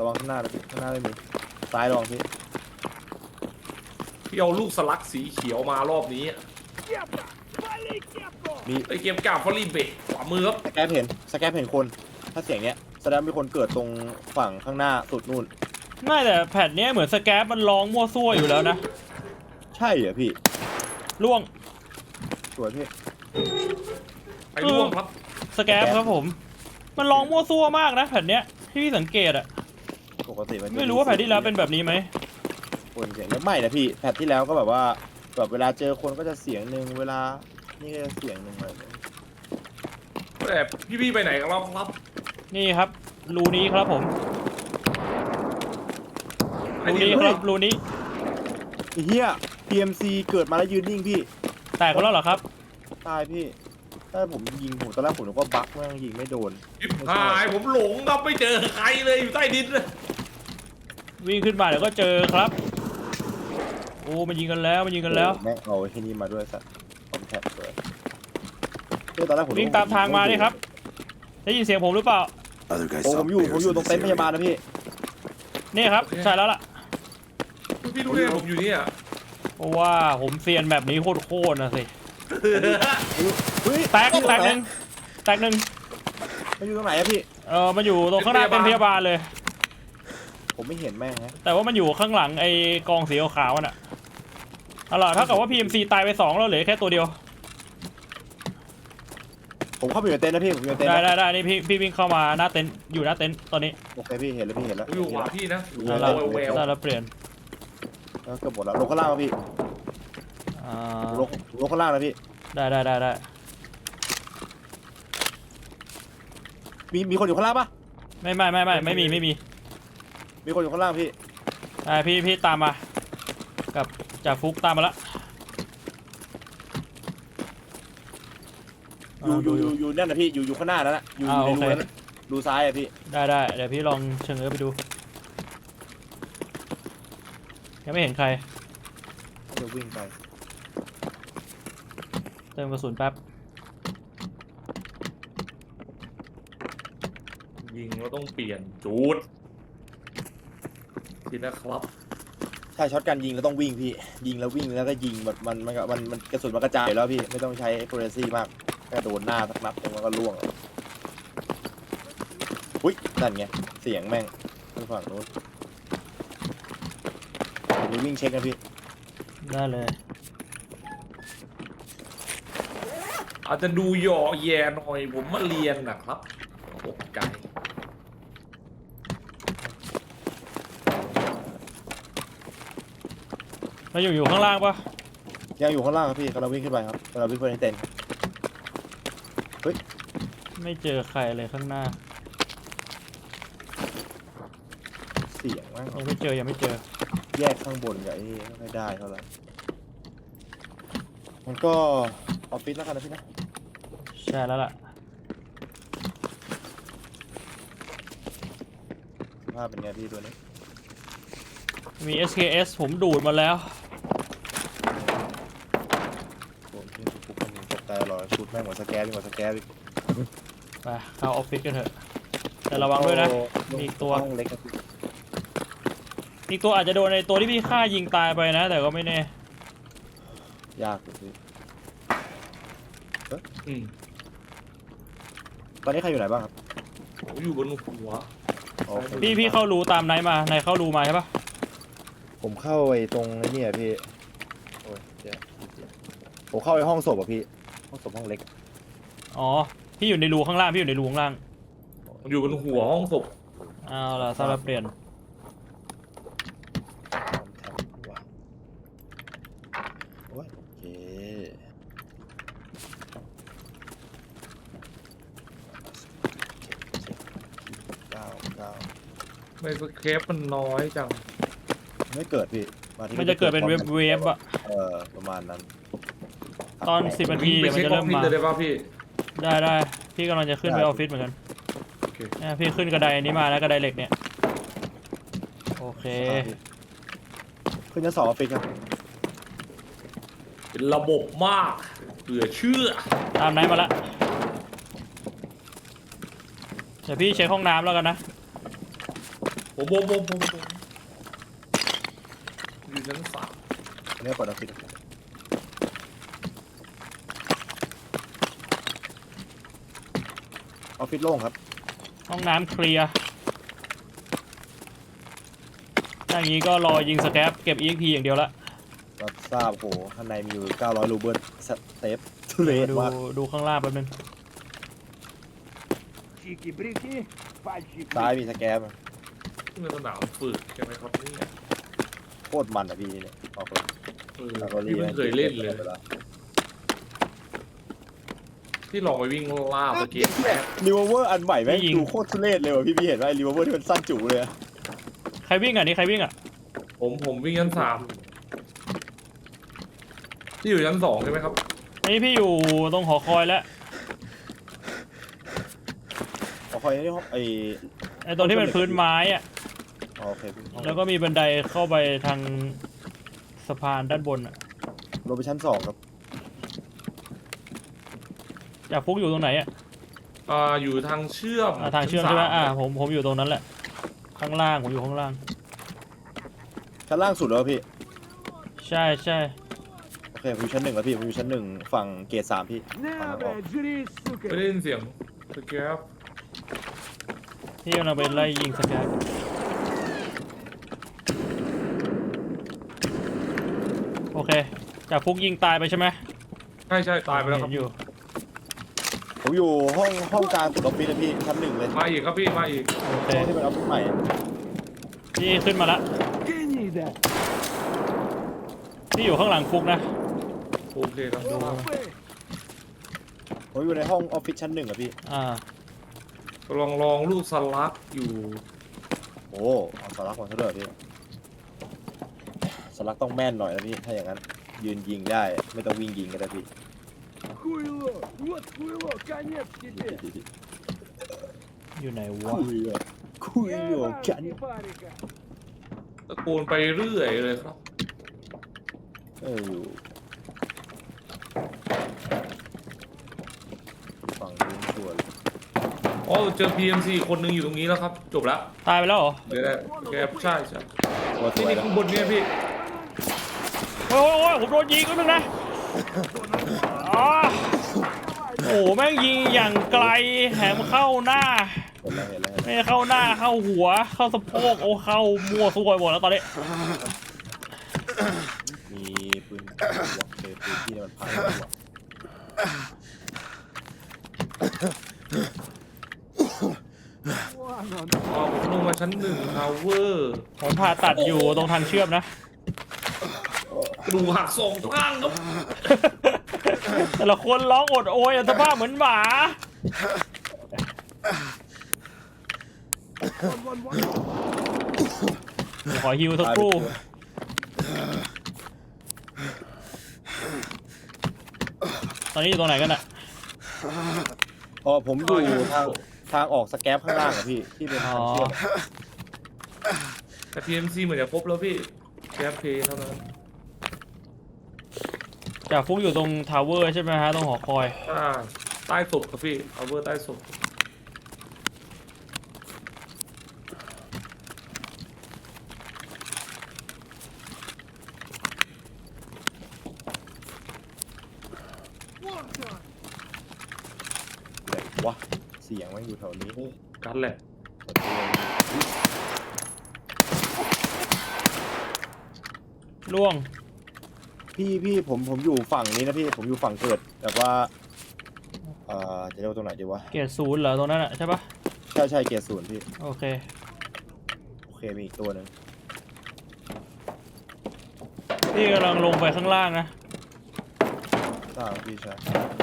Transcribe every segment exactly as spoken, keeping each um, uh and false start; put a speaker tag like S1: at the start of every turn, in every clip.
S1: ระวังข้างหน้านะพี่ข้างหน้าไม่มีซ้ายระวังพี่
S2: พี่เอาลูกสลักสีเขียวมารอบนี้
S1: มี
S2: ไอเกมกาฟอรีเบะขวามือครับ
S1: สแกปเห็นสแกปเห็นคนถ้าเสียงเนี้ยแสดงมีคนเกิดตรงฝั่งข้างหน้าสุดนู่น
S3: ไม่แต่แผ่นนี้เหมือนสแกปมันร้องมั่วซั่วอยู่แล้วนะ
S1: ใช่เหรอพี่
S3: ล่วง
S1: สวยพี่
S2: ไอ้ร่วงครับ
S3: สแกปครับผมมันร้องมั่วซั่วมากนะแผ่นเนี้ยที่พี่สังเกตอะ
S1: ปกติมัน
S3: ไม่รู้ว่าแผ่นที่แล้วเป็นแบบนี้ไหม
S1: คนเสียงไม่นะพี่แผ่นที่แล้วก็แบบว่าแบบเวลาเจอคนก็จะเสียงหนึ่งเวลานี่ก็จะเสียงหนึ่งเลย
S2: แต่พี่ๆไปไหนกันแล้วครับ
S3: นี่ครับรูนี้ครับผมรูนี้ครับรูนี้
S1: เฮีย พี เอ็ม ซี เกิดมาแล้วยืนนิ่งพี่
S3: แตกแล้วเหรอครับ
S1: ตายพี่ถ้าผมยิงผมตอนแรกผมนึกว่าบั๊กแม่งยิงไม่โดน
S2: หายผมหลงครับไม่เจอใครเลยอยู่ใต้ดินเลย
S3: วิ่งขึ้นมาเดี๋ยวก็เจอครับโอ้มันยิงกันแล้วมันยิงกันแล้ว
S1: แม่งเอาที่นี่มาด้วยสัตว์คอมแทคเลยตอนแรกผม
S3: วิ่งตามทางมาดิครับได้ยินเสียงผมหรือเปล่า
S1: โอ้ผมอยู่ผมอยู่ตรงเต็นท์พยาบาลนะพี่
S3: นี่ครับใช่แล้วล่ะ
S2: พี่รู้ได้ผมอยู่นี่อ่ะ
S3: เพราะว่าผมเซียนแบบนี้โคตรๆนะสิแตกแตกหนึ่งแตกหนึ่ง
S1: มันอยู่ตรงไหนอะพี่
S3: เออมันอยู่ตรงข้างหน้าเป็นพยาบาลเลย
S1: ผมไม่เห็นแม่งนะ
S3: แต่ว่ามันอยู่ข้างหลังไอ้กองสีขาวน่ะเอาล่ะเท่ากับว่า พี เอ็ม ซี ตายไปสองแล้วเหลือแค่ตัวเดียว
S1: ผมเข้าไปอยู่ในเต็นท์นะพี่ผมอยู่ในเต็นท์
S3: ได้ได้ได้นี่พี่พี่วิ่งเข้ามาหน้าเต็นท์อยู่หน้าเต็นท์ตอนนี้
S1: โอเคพี่เห็นแล้วพี่เห็นแล้ว
S2: อยู่ขวาพี่นะ
S3: ได้แล้วได้แล้วเปลี่ยน
S1: แล้วเกือบหมดแล้วลงข้างล่างพี่ลงลงข้างล่างนะพี่
S3: ได้ได้ได้ได้
S1: มีมีคนอยู่ข้างล่างปะ
S3: ไม่ไม่ไม่ไม่ไม่มีไม่มี
S1: มีคนอยู่ข้างล่างพี่
S3: อ่าพี่พี่ตามมากับจ่าฟุกตามมาละ
S1: อยู่อยู่อยู่อยู่นั่นนะพี่อยู่อยู่ข้างหน้านั่นแหละอยู่ในรูนั้นรูซ้ายอะพี่
S3: ได้ได้เดี๋ยวพี่ลองเชิงเออไปดูยังไม่เห็นใคร
S1: จะวิ่งไป
S3: เติมกระสุนแป๊บ
S2: ยิงแล้วต้องเปลี่ยนจูดทีนะครับ
S1: ใช่ช็อตการยิงแล้วต้องวิ่งพี่ยิงแล้ววิ่งแล้วก็ยิงแบบมันมันมันมันกระสุนมันกระจายแล้วพี่ไม่ต้องใช้โปรเรซี่มากแค่โดนหน้าสักนัดมันก็ล่วงอุ้ยนั่นไงเสียงแม่งทางฝั่งโน้นมีวิ่งเช็คนะพี่
S3: ได้เลย
S2: อาจจะดูหย่อแย่หน่อยผมมาเรียนนะครับตกใจ
S3: มาอยู่อยู่ข้างล่างปะ
S1: ยังอยู่ข้างล่างครับพี่กำลังวิ่งขึ้นไปครับกำลังวิ่งไปในเต็นท์เฮ้ย
S3: ไม่เจอใครเลยข้างหน้า
S1: เสียงมั้ง
S3: ยังไม่เจอยังไม่เจอ
S1: แยกข้างบนกับไอ้ไม่ได้เท่าไหร่มันก็ออฟฟิศแล้วกันนะพี่นะ
S3: ใช่แล้วล่ะ
S1: ภาพเป็นไงพี่ตัวนี้
S3: มี เอส เค เอส ผมดูดมาแล้ว
S1: ผมที่ปุ๊บมันตกใจรอชุดแม่งหมดสแกนหมดสแกน
S3: ไปเข้าออฟฟิศกันเถอะแต่ระวังด้วยนะมีอีกตัว
S1: เล็ก
S3: อีกตัวอาจจะโดนในตัวที่พี่ฆ่ายิงตายไปนะแต่ก็ไม่แน่
S1: ยากเลย
S2: อืม
S1: ตอนนี้ใครอยู่ไหนบ้างครับ
S2: ผมอยู่บนหัว
S3: พี่พี่เข้ารูตามไหนมาไหนเข้ารูมาใช่ปะ
S1: ผมเข้าไอ้ตรงนี้อ่ะพี่โอ้ยเดี๋ยวผมเข้าไอ้ห้องศพอ่ะพี่ห้องศพห้องเล็ก
S3: อ๋อพี่อยู่ในรูข้างล่างพี่อยู่ในรูข้างล่าง
S2: อยู่บนหัวห้องศพ
S3: เอาล่ะสลับเปลี่ยน
S1: โอเคเก้าเก้า
S2: ไม่สเคปมันน้อยจัง
S1: ไม่เกิดพี่
S3: มันจะเกิดเป็นเว็บเว็บอะ
S1: เออประมาณนั้น
S3: ตอนสิบนาทีมันจะเริ่มมา
S2: ได้ป่ะพี่
S3: ได้ได้พี่กำลังจะขึ้นไปออฟฟิศเหมือนกันเนี่ยพี่ขึ้นกระไดนี้มาแล้วกระไดเหล็กเนี่ยโอเค
S1: ขึ้นชั้นสองออฟฟิศครับ
S2: เป็นระบบมากเหลือเชื่อ
S3: ตามไหนมาละเดี๋ยวพี่เช็คห้องน้ำแล้วกันนะ
S2: ผผมผมผมผมผมอยู่ชั้นสาม
S1: อันนี้เปิดออฟฟิศออฟฟิศโล่งครับ
S3: ห้องน้ำเคลียร์ถ้าอย่างนี้ก็รอยิงสแครปเก็บ อี เอ็ก พี อย่างเดียวละ
S1: รับทราบโหข้างในมีอยู่เก้าร้อยรูเบิลสเตปทุเรศ
S3: ดู
S1: มาก
S3: ดูข้างล่างแป๊บนึง
S4: Чики-брики, пальчики.
S1: ซ้ายมีสแกม
S2: นี่มันสนามฝึกใช่ไหมครับเนี่ย
S1: โคตรมันอ่ะพี่เนี่ยออกเลย
S2: เออ
S1: แล้วก็
S2: พี่เพิ่งเคยเล่นเลย
S1: วา
S2: ที่ลองไปวิ่งล่าเมื่อกี้
S1: รีเวอร์อันใหม่แม่ง
S3: ยิง
S1: ดูโคตรทุเรศเลยว่ะพี่พี่เห็นว่ารีเวอร์ที่มันสั้นจู่เลยอะ
S3: ใครวิ่งอ่ะนี่ใครวิ่งอ่ะ
S2: ผมผมวิ่งชั้นสามที่อยู่ชั้นสองใช่ไหมครับ
S3: นี่พี่อยู่ตรงหอคอยแล้ว
S1: ขอคอยนี่ห้องไอ
S3: ไอ้ตรงที่เป็นพื้นไม้อ่ะ
S1: อ๋อโอเคพี่
S3: แล้วก็มีบันไดเข้าไปทางสะพานด้านบนอ่ะ
S1: ลงไปชั้นสองครับ
S3: จากฟุกอยู่ตรงไหนอ่ะ
S2: อ่าอยู่ทางเชื่อม
S3: อ่าทางเชื่อม
S2: ชั้
S3: ใช่
S2: น
S3: ไหม
S2: ส
S3: อ่าผมผมอยู่ตรงนั้นแหละ ข้างล่างผมอยู่ข้างล่าง
S1: ชั้นล่างสุดแล้วพี่
S3: ใช่ใช่
S1: โอเคผมอยู่ชั้นหนึ่งแล้วพี่ผมอยู่ชั้นหนึ่งฝั่งเกตสามพี่ฝั่ง
S4: На,
S1: ออก
S4: блядь, жри,
S2: ไม่ได้
S4: сука.
S2: ยินเสียงสแกป
S3: ที่กำลังไปไล่ยิงสแกนโอเค จากฟุกยิงตายไปใช่ไหม
S2: ใช่ใช่ตายไปแล้วครับ
S3: เห็นอยู่
S1: ผมอยู่ห้องห้องกลางตึกออฟฟิศนะพี่ชั้นหนึ่งเลย
S2: มาอีกครับพี่มาอีก
S3: โอเค
S1: ห้องที่เป็นออฟฟิศใหม่อะ
S3: พี่ขึ้นมาละ
S4: Гнида.
S3: พี่อยู่ข้างหลังฟุกนะ
S2: โอเคครับ
S4: Лапы.
S1: ผมอยู่ในห้องออฟฟิศชั้นหนึ่งอะพี่
S3: อ่า
S2: ลองลองลูกสลักอยู่
S1: โอ้เอาสลักมาเถอะพี่สลักต้องแม่นหน่อยนะพี่ถ้าอย่างนั้นยืนยิงได้ไม่ต้องวิ่งยิงก็ได้พี่
S4: Хуйло. Вот хуйло. Конец тебе.
S3: อยู่ไหน
S1: คุ
S3: วะ
S1: ยอะคุยอยู่กัน
S4: Ебанки парика.
S2: ตะโกนไปเรื่อยเลยครับ
S1: เอออยู่ฝั่งนู้นส่วน
S2: อ๋อเจอ พี เอ็ม ซี คนหนึ่งอยู่ตรงนี้แล้วครับ จบแล้ว
S3: ตายไปแล้วเหรอ
S2: เดี๋ยวได้แกปใช่ใช่
S1: ตัวส
S2: นี่
S1: วย
S2: นี่
S1: แล้ว
S2: ข้างบนเนี่ยพี่
S3: โอ้ยโอ้ยผมโดนยิงก็นึงนะอ๋อโอ้โหแม่งยิงอย่างไกลแถมเข้าหน้า
S1: เห็นแล้วเห็นแล้ว
S3: ไม่เข้าหน้าเข้าหัว เข้าสะโพกโอ้เข้ามั่วซั่วหมดแล้วตอนนี้
S1: มีปืนหัวเปืนที่มันพังหัว
S4: Вон он.
S2: อ๋อผมลงมาชั้นหนึ่งทาวเวอร์
S3: ผมผ่าตัดอยู่ตรงทางเชื่อมนะ
S2: กระดูกหักสองข้างครับ
S3: แต่ละคนร้องอดโอยสภาพเหมือนหมา
S4: Вон, вон, вон.
S3: ขอฮิวสักครู่ ตอนนี้อยู่ตรงไหนกันอะ
S1: อ๋อผมอยู่ทางทางออกสแกปข้างล่างอะพี่ที่เป็นทางเชื่อม
S2: แต่ พี เอ็ม ซี เหมือนจะครบแล้วพี่แกปเพย์เท่านั้น
S3: จากฟุกอยู่ตรงทาวเวอร์ใช่ไหมฮะตรงหอคอย
S2: อ่าใต้ศพครับพี่ทาวเวอร์ใต้ศพ
S1: ไหนวะเสียงมันอยู่แถวนี้
S2: โอ้กันแหละ
S3: ล่วง
S1: พี่พี่ผมผมอยู่ฝั่งนี้นะพี่ผมอยู่ฝั่งเกิดแบบว่าเอ่อจะเรียกว่าตรงไหนดีวะ
S3: เกียรติศูนย์เหรอตรงนั้นอะใช่ปะ
S1: ใช่ใช่เกียร์ศูนย์พี่
S3: โอเค
S1: โอเคมีอีกตัวหนึ่ง
S3: พี่กำลังลงไปข้างล่างนะ
S1: ทราบพี่ใช่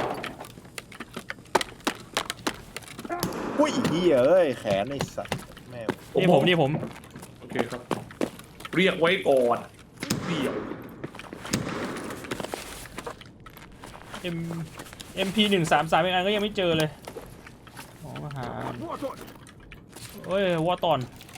S1: อุ้ยเหี้ยเอ้ยแขนไอ้สัตว์แม่ง
S3: นี่ผมนี่ผม
S2: โอเคครับ เรียกไว้ก่อนเดี่ยว
S3: M MP หนึ่งสามสามอีกอันก็ยังไม่เจอเลยมองหา
S4: Вот он.
S3: เอ้ยว่าตอน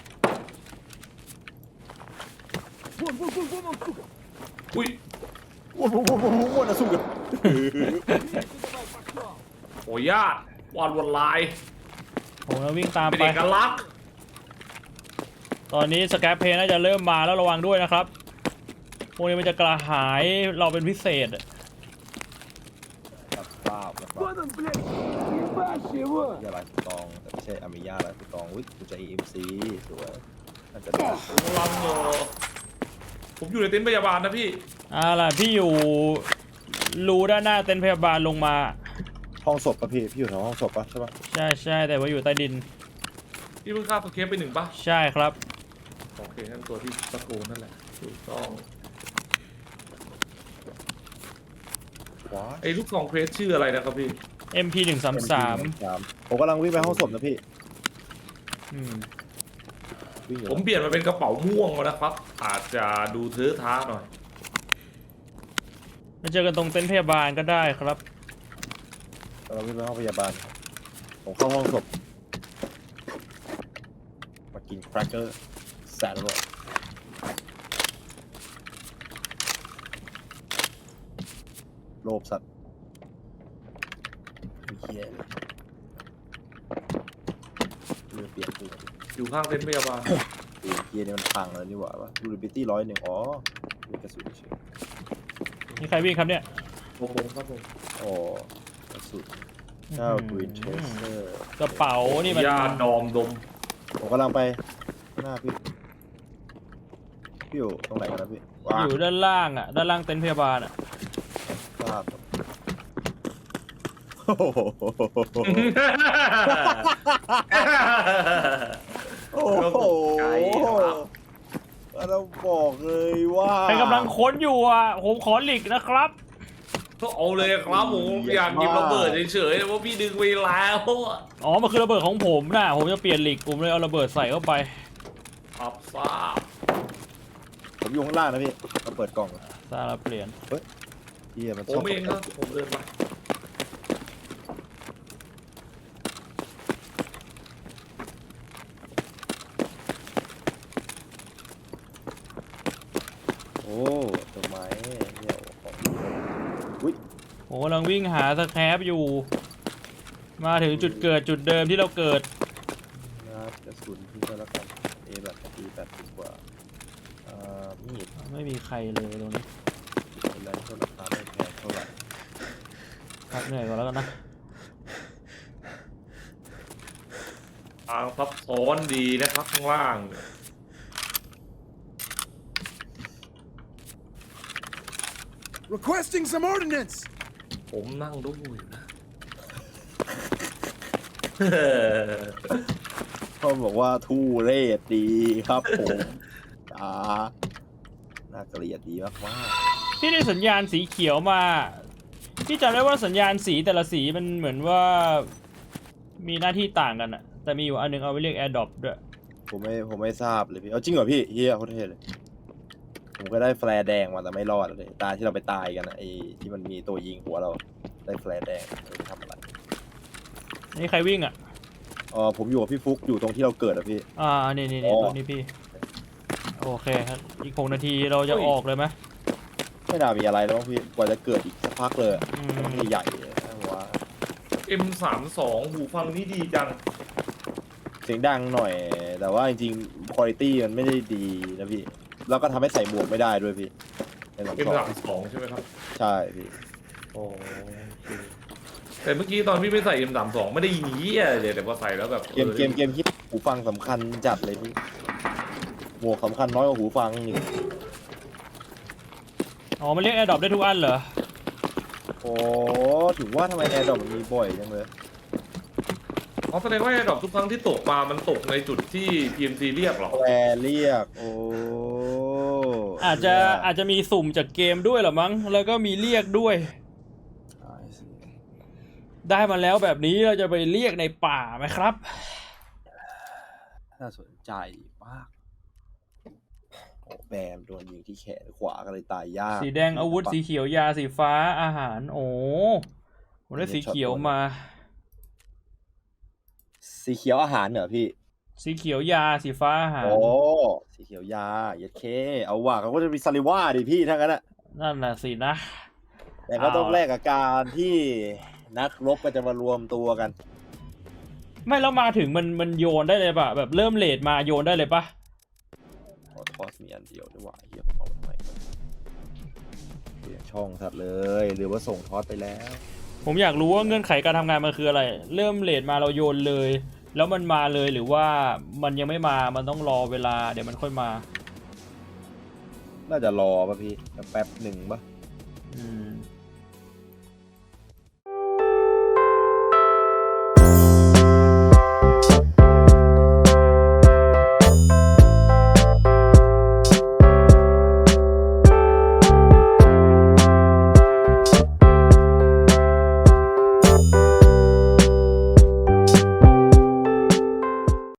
S4: Вон, вон, вон, вон он, сука.
S2: อุ้ย
S1: ว้าวว้าวว้าวว้าวนะสู้กัน
S4: Давай, пошел.
S2: โอ้ญาติวาดวันลาย
S3: ผมจะวิ่งตาม
S2: เป็น
S3: ไป
S2: เอกลักษณ์
S3: ตอนนี้สแครปเพลน่าจะเริ่มมาแล้วระวังด้วยนะครับพวกนี้มันจะกระหายเราเป็นพิเศษอะ
S1: รับทราบนะครับ
S4: Вот он, блядь! Ебашь его!
S1: ยาลายสตองแต่ไม่ใช่อามิยาลายสตองอุ้ยกูจะ เอ็ม ซี สวยน่าจะได้
S2: กำลังอยู่ผมอยู่ในเต็นท์พยาบาลนะพี่
S3: อ่าล่ะพี่อยู่รูด้านหน้าเต็นท์พยาบาลลงมา
S1: ห้องศพป่ะพี่พี่อยู่แถวห้องศพป่ะใช่ป่ะ
S3: ใช่ใช่แต่ว่าอยู่ใต้ดิน
S2: พี่เพิ่งฆ่าสเคปไปหนึ่งปะ
S3: ใช่ครับ
S2: โอเคนั่นตัวที่ตะโกนนั่นแหละถูกต้อง
S1: ว้า
S2: ไอ้ลูกซองเพรสชื่ออะไรนะครับพี่
S3: เอ็ม พี หนึ่งสามสาม
S1: ผมกำลังวิ่งไปห้องศพนะพี่
S3: อืม
S1: วิ่งอยู่
S2: ผมเปลี่ยนมาเป็นกระเป๋าม่วงแล้วนะครับ อาจจะดูเทอะท้าหน่อย
S3: มาเจอกันตรงเต็นท์พยาบาลก็ได้ครับ
S1: กำลังวิ่งไปห้องพยาบาลผมเข้าห้องศพมากินแครกเกอร์แสนอร่อยโลภสัตว์เฮียเลยเลือดเปียกเลย
S2: อยู่ข้างเต็นท์พยาบาล
S1: เฮียนี่มันพังแล้วนี่หว่าวะดูดิบิตี้ร้อยหนึ่งอ๋อมีกระสุนเฉย
S3: นี่ใครวิ่งครับเนี่ย
S2: โอ้โหครับผม
S1: อ๋อกระสุนเจ้า
S3: อืม
S1: กรีนเทสเตอร์
S3: กระเป๋านี่มัน
S2: ยาดอมดม
S1: ผมกำลังไปหน้าพี่พี่อยู่ตรงไหนกันนะพี่ว้า
S3: อยู่ด้านล่างอ่ะด้านล่างเต็นท์พยาบาลอ่ะ
S1: ทราบครับโอ้โหโอ้โหเราบอกเลยว่า
S3: ใครกำลังค้นอยู่อ่ะผมขอหลีกนะครับ
S2: ก็เอาเลยครับผมอยากหยิบระเบิดเฉยๆแต่ว่าพี่ดึงไปแล้วอะ
S3: อ๋อมันคือระเบิดของผมนะผมจะเปลี่ยนหลีกผมเลยเอาระเบิดใส่เข้าไป
S2: อับทราบ
S1: ผมอยู่ข้างล่างนะพี่มาเปิดกล่อง
S3: ซาลาเปลี่ยน
S1: เฮียมัน
S2: ผ
S1: ชอ
S2: ม
S1: บ
S2: เองครับผมเดินมา
S1: โอ้ต้นไม้เนี่ยของอุ้ย
S3: ผมกำลังวิ่งหาสแครปอยู่ มาถึงจุดเกิดจุดเดิมที่เราเกิด
S1: นะกระสุนพี่ก็แล้วกันเอแบบตีแปดสิบกว่าอ่ามีด
S3: ไม่มีใครเลยตรงนี้
S1: อะไรเท่าราคาไม่แพงเท่าไหร่
S3: พักเหนื่อยก่อนแล้วกันนะ
S2: ทางซับซ้อนดีนะครับข้างล่าง
S4: Requesting some ordnance!
S2: ผมนั่งดูอยู่นะ
S1: เขาบอกว่าทูเรศดีครับผมอ่าน่าเกลียดดีมากมาก
S3: พี่ได้สัญญาณสีเขียวมา พี่จำได้ว่าสัญญาณสีแต่ละสีมันเหมือนว่ามีหน้าที่ต่างกันอะแต่มีอยู่อันหนึงเอาไว้เรียก Air Drop ด้วย
S1: ผมไม่ผมไม่ทราบเลยพี่เอาจริงเหรอพี่เฮียโคตรเท่เลยผมก็ได้แฟลร์แดงมาแต่ไม่รอดเลยตาที่เราไปตายกันนะไอ้ที่มันมีตัวยิงหัวเราได้แฟลร์แดงไม่รู้ทำอะไร
S3: นี่ใครวิ่งอะ
S1: อ๋อผมอยู่กับพี่ฟุกอยู่ตรงที่เราเกิดอะพี่
S3: อ่านี่นี่
S1: อ๋
S3: นี่
S1: อ
S3: ตรงนี้พี่ โอเคครับอีกหกนาทีเราจะออกเลยไหม
S1: ไม่น่ามีอะไรแล้วมั้งพี่กว่าจะเกิดอีกสักพักเลยอะ
S3: อืม
S1: ที่ใหญ่เลยนะว่า
S2: เอ็ม สามสิบสอง หูฟังนี่ดีจัง
S1: เสียงดังหน่อย แต่ว่าจริงๆคุณภาพมันไม่ได้ดีนะพี่แล้วก็ทำให้ใส่หมวกไม่ได้ด้วยพี่ในสอง
S2: เอ็ม
S1: สอ
S2: สาง มสิบสองใช่ไหมครับ
S1: ใช่พี่
S2: โอเคแต่เมื่อกี้ตอนพี่ไม่ใส่ เอ็ม สามสิบสอง ไม่ได้ยินเหี้ยเลยแต่พอใส่แล้วแบบ
S1: เกมเกมเกมที่หูฟังสำคัญจัดเลยพี่หมวกสำคัญน้อยกว่าหูฟังนี่
S3: อ๋อมันเรียก Air Drop ได้ทุกอันเหรอ
S1: โอ้ถึงว่าทำไมแอร์ดรอปมันมีบ่อยจังเลย
S2: อ๋อแสดงว่าไอ้ดอกทุกครั้งที่ตกมามันตกในจุดที่ พี เอ็ม ซี เรียกเหรอ
S1: แปรเรียกโอ้
S3: อาจจะอาจจะมีสุ่มจากเกมด้วยเหรอมั้งแล้วก็มีเรียกด้วย
S1: ใช่สิ
S3: ได้มาแล้วแบบนี้เราจะไปเรียกในป่าไหมครับ
S1: น่าสนใจมากโอ้แบมโดนยิงที่แขนขวาก็เลยตายยาก
S3: สีแดงอาวุธสีเขียวยาสีฟ้าอาหาร โอ้ผมได้สีเขียวมา
S1: สีเขียวอาหารเหรอพี่
S3: สีเขียวยาสีฟ้าอาหาร
S1: โอ้สีเขียวยาเย็ดเคเอาว่ะเขาก็จะมีซาลิว่าดิพี่ทั้งนั้นอะ
S3: นั่นน่ะสินะ
S1: แต่ก็ต้อง
S3: เอา
S1: แลกกับการที่นักรบก็จะมารวมตัวกัน
S3: ไม่แล้วมาถึงมันมันโยนได้เลยปะแบบเริ่มเลทมาโยนได้เลยปะ
S1: มีอันเดียวด้วยว่ะเฮียผมเอามาทำไมก่อนเปลี่ยนช่องสัตว์เลยหรือว่าส่งทอดไปแล้ว
S3: ผมอยากรู้ว่าเงื่อนไขการทำงานมันคืออะไร เริ่มเลทมาเราโยนเลย แล้วมันมาเลยหรือว่ามันยังไม่มามันต้องรอเวลาเดี๋ยวมันค่อยมา
S1: น่าจะรอป่ะพี่แป๊บหนึ่งป่ะ
S3: อืม